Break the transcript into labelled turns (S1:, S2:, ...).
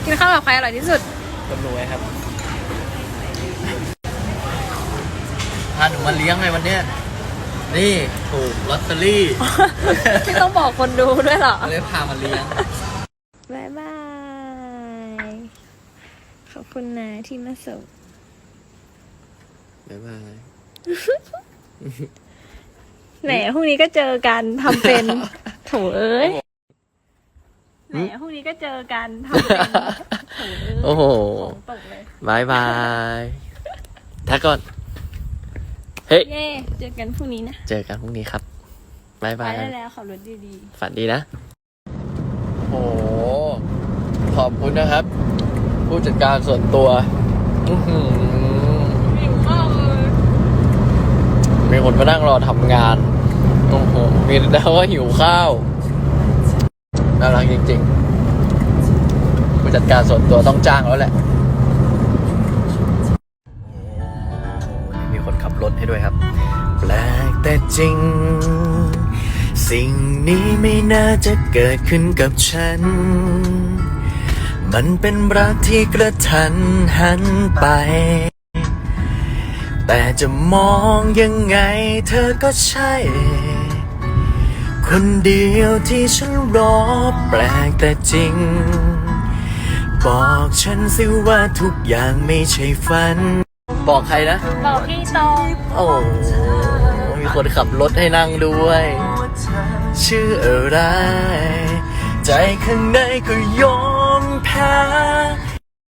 S1: กินข้าวกับใครอร่อยที่สุด
S2: กับหนูครับพาหนูมาเลี้ยงไงวันเนี้ยนี่ถูกลอตเตอรี่
S1: ที่ต้องบอกคนดูด้วยเหรอ
S2: เลยพามาเลี้ยง
S1: บ๊ายบาย ขอบคุณนะที่มาส่ง
S2: บ๊ายบาย
S1: แหนพรุ่งนี้ก็เจอกันทำเป็น โถเอ้ยแหนพรุ่งนี้ก็เจอกันทำเป็นโถเอ้ย
S2: โอ้โห
S1: ของตกเลย
S2: บายบายทักก่อน เฮ้ย
S1: เย่เจอกันพรุ่งนี้นะ
S2: เจอกันพรุ่งนี้ครับบาย
S1: ไป
S2: บาย
S1: ได้แล้วขับรถดี
S2: ฝันดีนะ โอ้โห ขอบคุณนะครับ ผู้จัดการส่วนตัวอื้อหือ
S1: ๆหิวมากเลย
S2: มีคนมานั่งรอทำงาน โอ้โห มีแล้วว่าหิวข้าว น่ารักจริงๆ ผู้จัดการส่วนตัวต้องจ้างแล้วแหละ มีคนขับรถให้ด้วยครับ แปลกแต่จริง สิ่งนี้ไม่น่าจะเกิดขึ้นกับฉัน มันเป็นรักที่กระทันหันไป แต่จะมองยังไงเธอก็ใช่ คนเดียวที่ฉันรอแปลกแต่จริง บอกฉันสิว่าทุกอย่างไม่ใช่ฝัน บอกใครนะ
S1: บอกพี่ตอง
S2: โอ้ มีคนขับรถให้นั่งด้วย ชื่ออะไร ใจข้างในก็ยอมแพ้